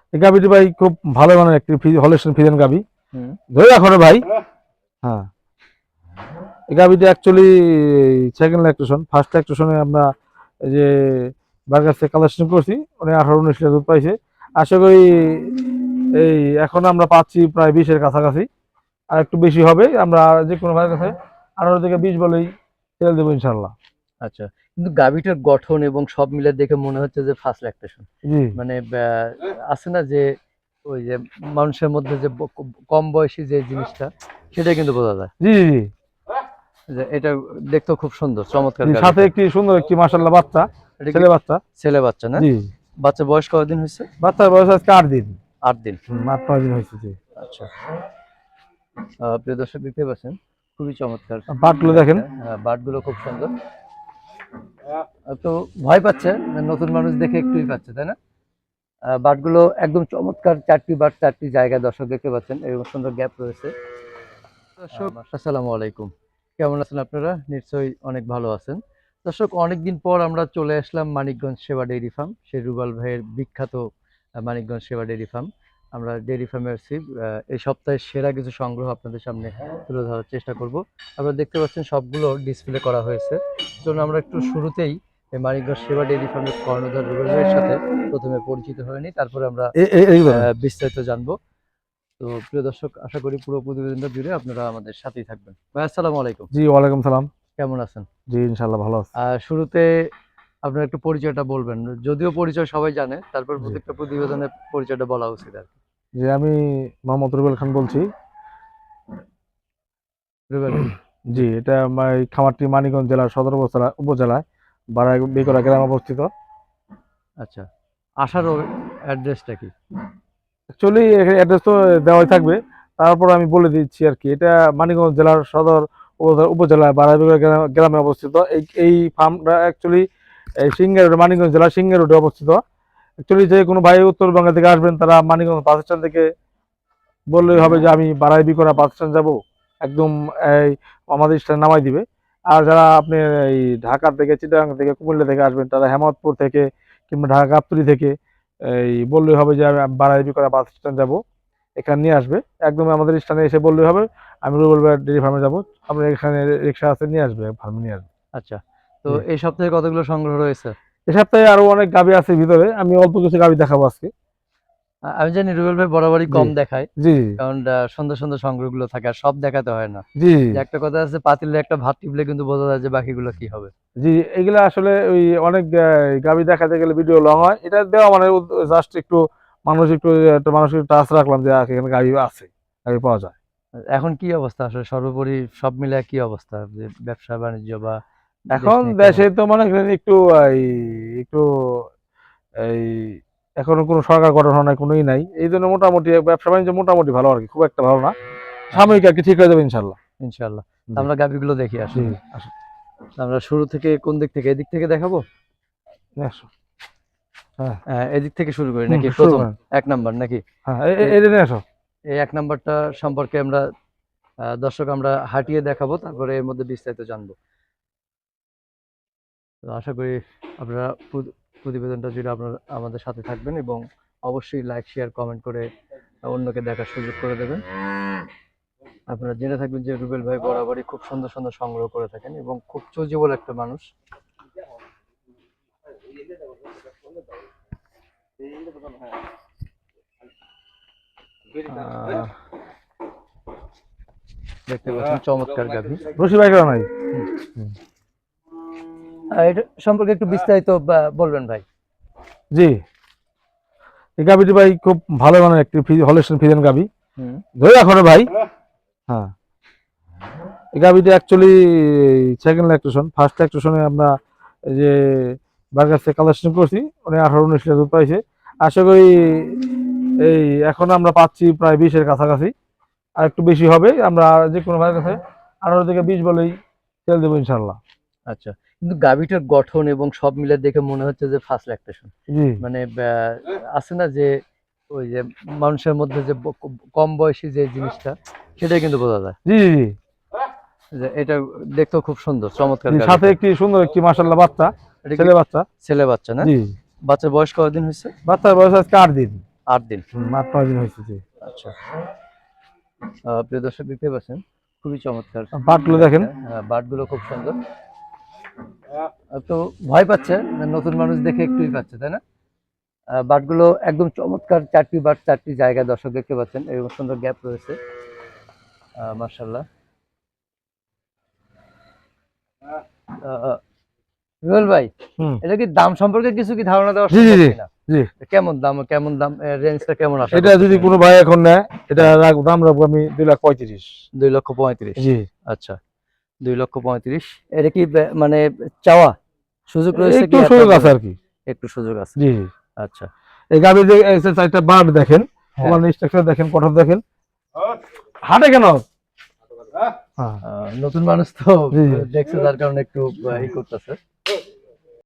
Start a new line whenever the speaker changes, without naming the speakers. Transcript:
এই গাভিটি ভাই খুব ভালো মানের একটি হলিস্টিয়ান ফ্রিজিয়ান গাভি। ধরে রাখো রে ভাই। হ্যাঁ, এই গাভিটি অ্যাকচুয়ালি সেকেন্ড ল্যাকটেশন। ফার্স্ট ল্যাকটেশনে আমরা এই যে বার্গার থেকে কালেকশন করছি, উনি 18-19 লিটার দুধ পাইছে। আশা করি এই এখন আমরা পাচ্ছি প্রায় 20-এর কাছাকাছি, আর একটু বেশি হবে। আমরা যে কোনো ভাইয়ের কাছে 18 থেকে 20 বলেই তেল দেবো ইনশাল্লাহ।
আচ্ছা, কিন্তু গাভীটার গঠন এবং সব মিলে দেখে মনে হচ্ছে যে ফার্স্ট ল্যাকটেশন।
জি
মানে আছে না যে ওই যে মানুষের মধ্যে যে কম বয়সী যে জিনিসটা, সেটা কিন্তু বোঝা যায়।
জি জি
যে এটা দেখতেও খুব সুন্দর, চমৎকার
জি, সাথে
গাভীটা।
একটি সুন্দর একটি মাশাআল্লাহ বাচ্চা,
এটা কি
ছেলে বাচ্চা।
ছেলে বাচ্চা না?
জি,
বাচ্চা বয়স কতদিন হয়েছে?
বাচ্চার বয়স আজকে 8 দিন।
8 দিন।
8-9 দিন হয়েছে। জি,
আচ্ছা, প্রিয় দর্শক দেখতে পাচ্ছেন খুবই চমৎকার
বাটগুলো দেখেন।
বাটগুলো খুব সুন্দর। তো ভয় পাচ্ছে, নতুন মানুষ দেখে একটুই পাচ্ছে, তাই না? বাটগুলো একদম চমৎকার, 4টি বাট 4টি জায়গায় দর্শক দেখতে পাচ্ছেন, এবং সুন্দর গ্যাপ রয়েছে। দর্শক আসসালামু আলাইকুম, কেমন আছেন আপনারা? নিশ্চয়ই অনেক ভালো আছেন। দর্শক, অনেকদিন পর আমরা চলে আসলাম মানিকগঞ্জ সেবা ডেইরি ফার্ম, সেই রুবাল ভাইয়ের বিখ্যাত মানিকগঞ্জ সেবা ডেইরি ফার্ম। আমরা ডেইরি ফার্মে আসছি, এই সপ্তাহের সেরা কিছু সংগ্রহ আপনাদের সামনে তুলে ধরার চেষ্টা করব। আপনারা দেখতে পাচ্ছেন সবগুলো ডিসপ্লে করা হয়েছে। চলুন আমরা একটু শুরুতেই এই মানিকগঞ্জ সেবা ডেইরি ফার্মের কর্ণধার রুবেল ভাইয়ের সাথে প্রথমে পরিচিত হয়ে নিই, তারপরে আমরা বিস্তারিত জানবো। তো প্রিয় দর্শক, আশা করি পুরো প্রতিবেদনটা জুড়ে আপনারা আমাদের সাথেই থাকবেন। ভাই আসসালামু আলাইকুম।
জি, ওয়ালাইকুম সালাম।
কেমন আছেন?
জি, ইনশাআল্লাহ ভালো আছি।
শুরুতে আপনার একটু পরিচয়টা বলবেন। যদিও পরিচয় সবাই জানে, তারপর
জি
প্রত্যেকটা প্রতিবেদনের পরিচয়টা বলা উচিত আর কি।
জি, আমি মোহাম্মদ রুবেল খান বলছি।
রুবেল ভাই।
জি, এটা আমার এই খামারটি মানিকগঞ্জ জেলার সদর উপজেলায় বেকরা গ্রামে অবস্থিত।
আচ্ছা, আসার অ্যাড্রেসটা কি?
অ্যাকচুয়ালি অ্যাড্রেস তো দেওয়াই থাকবে, তারপর আমি বলে দিচ্ছি আর কি। এটা মানিকগঞ্জ জেলার সদর উপজেলায় বেকরা গ্রামে অবস্থিত। এই ফার্মটা অ্যাকচুয়ালি এই সিংহের রোডে, মানিকগঞ্জ জেলার সিংহের রোডে অবস্থিত। অ্যাকচুয়ালি যে কোনো ভাই উত্তরবঙ্গ থেকে আসবেন, তারা মানিকগঞ্জ বাস স্ট্যান্ড থেকে বললেই হবে যে আমি বারাই বিকরা বাস স্ট্যান্ড যাবো, একদম এই আমাদের স্ট্যান্ড নামাই দিবে। আর যারা আপনি এই ঢাকা থেকে, চিটাগাং থেকে, কুমিল্লা থেকে আসবেন, তারা হেমায়তপুর থেকে কিংবা ঢাকা গাবতলী থেকে এই বললেই হবে যে আমি বারাই বিকরা বাস স্ট্যান্ড যাবো, এখানে নিয়ে আসবে। একদম আমাদের স্ট্যান্ডে এসে বললেই হবে আমি রুবেল ভাই ডেইরি ফার্মে যাবো। আপনার এখানে রিক্সা আছে, নিয়ে আসবে, ফার্মে নিয়ে আসবে।
আচ্ছা, তো এই সপ্তাহে কতগুলো সংগ্রহ রয়েছে?
এ সপ্তাহে আরো অনেক গাভি আছে ভিতরে, আমি অল্প কিছু গাভি দেখাবো আজকে।
আমি জানি রুবেল ভাই বরাবরই
জি
কম দেখায়,
জি
কারণ সুন্দর সুন্দর সংগ্রহগুলো থাকে আর সব দেখাতে হয় না।
জি
যে একটা কথা আছে, পাতিলে একটা ভাত টিপলে কিন্তু বোঝা যায় যে বাকিগুলো কি হবে।
জি, এগুলা আসলে ওই অনেক গাভি দেখাতে গেলে ভিডিও লং হয়। এটা দেওয়া মানে জাস্ট একটু মানুষ একটু একটা মানসিক টাচ রাখলাম যে এখানে গাভি আছে, গাভি পাওয়া যায়।
এখন কি অবস্থা আসলে, সর্বোপরি সব মিলে কি অবস্থা, যে ব্যবসা বাণিজ্য বা দেশ
এখন
নিয়ে কি
দেশে
অবস্থা?
তো মনে করেন একটু এই একটু এই এখনো কোনো সরকার গঠন হয় নাই, কোনোই নাই। এই জন্য মোটামুটি ব্যবসা বাণিজ্য মোটামুটি ভালো আর কি, খুব একটা ভালো না।
আচ্ছা,
সাময়িক আর কি, ঠিক হয়ে যাবে ইনশাল্লাহ।
ইনশাআল্লাহ। তো
জি
আমরা গাভিগুলো দেখি
জি,
আসুন।
আসুন।
তো আমরা শুরু থেকে কোন দিক থেকে, এদিক থেকে দেখাবো?
আসুন। হ্যাঁ,
এদিক থেকে শুরু করি নাকি
শুরু
প্রথম
করেন।
1 নাম্বার নাকি?
হ্যাঁ,
এ-
এটা নিয়ে আসো।
এই 1 নাম্বারটা সম্পর্কে আমরা দর্শক আমরা হাঁটিয়ে দেখাবো, তারপরে এর মধ্যে বিস্তারিত জানবো। তো আশা করি আপনারা প্রতিবেদনটা জুড়ে আপনারা আমাদের সাথে থাকবেন, এবং অবশ্যই লাইক শেয়ার কমেন্ট করে অন্যকে দেখার সুযোগ করে দেবেন। আপনারা জেনে থাকবেন যে রুবেল ভাই বরাবরই খুব সুন্দর সুন্দর সংগ্রহ করে থাকেন, এবং খুব চুজিবল একটা মানুষ। আহ, দেখতে পাচ্ছেন চমৎকার গাভী।
রশি ভাই কেন নাই?
এটা সম্পর্কে একটু বিস্তারিত বলবেন ভাই।
জি, এই গাভিটি ভাই খুব ভালো মানের একটি হলিস্টিয়ান ফ্রিজিয়ান গাভি। ধরে রাখো রে ভাই। হ্যাঁ, এই গাভিটি অ্যাকচুয়ালি সেকেন্ড ল্যাকটেশন। ফার্স্ট ল্যাকটেশনে আমরা এই যে বার্গার থেকে কালেকশন করছি, উনি 18-19 লিটার দুধ পাইছে। আশা করি এই এখন আমরা পাচ্ছি প্রায় 20-এর কাছাকাছি, আর একটু বেশি হবে। আমরা যে কোনো ভাইয়ের কাছে 18 থেকে 20 বলেই তেল দেবো ইনশাল্লাহ।
আচ্ছা, কিন্তু গাভীটার গঠন এবং সব মিলে দেখে মনে হচ্ছে যে ফার্স্ট ল্যাকটেশন।
জি
মানে আছে না যে ওই যে মানুষের মধ্যে যে কম বয়সী যে জিনিসটা, সেটাই কিন্তু বোঝা যায়।
জি জি
যে এটা দেখতেও খুব সুন্দর, চমৎকার
জি, সাথে
গাভীটা।
একটি সুন্দর একটি মাশাআল্লাহ বাচ্চা,
এটা কি
ছেলে বাচ্চা।
ছেলে বাচ্চা না?
জি,
বাচ্চার বয়স কতদিন হয়েছে?
বাচ্চার বয়স আজকে 8 দিন।
8 দিন।
8-9 দিন হয়েছে। জি,
আচ্ছা। প্রিয় দর্শক দেখতে পাচ্ছেন খুবই চমৎকার
বাটগুলো দেখেন।
বাটগুলো খুব সুন্দর। তো ভয় পাচ্ছে, নতুন মানুষ দেখে একটুই পাচ্ছে, তাই না? বাটগুলো একদম চমৎকার, 4টি বাট 4টি জায়গায় দর্শক দেখতে পাচ্ছেন, এরকম সুন্দর গ্যাপ রয়েছে। মাশাআল্লাহ। রুবেল ভাই,
হুম।
এটা কি দাম সম্পর্কে কিছু কি ধারণা দেওয়া
জি জি
সম্ভব
জি
কিনা?
জি।
কেমন দাম রেঞ্জটা কেমন আশা
এটা যদি
করতেছেন?
কোনো ভাই এখন নেয়, এটা দাম রাখবো আমি 2,35,000।
2,35,000।
জি,
আচ্ছা, 2,35,000। এটা কি মানে চাওয়া সুযোগ রয়েছে
একটু
কি?
সুযোগ আছে আর কি।
একটু সুযোগ আছে।
জি,
আচ্ছা।
এই গাভীর যে চারটা বাট দেখেন,
হ্যাঁ।
ওনার স্ট্রাকচার দেখেন, কঠোর দেখেন। হাটে কেন? হ্যাঁ,
নতুন মানুষ তো
জি জি
দেখছে, যার কারণে একটু ই করতেছে।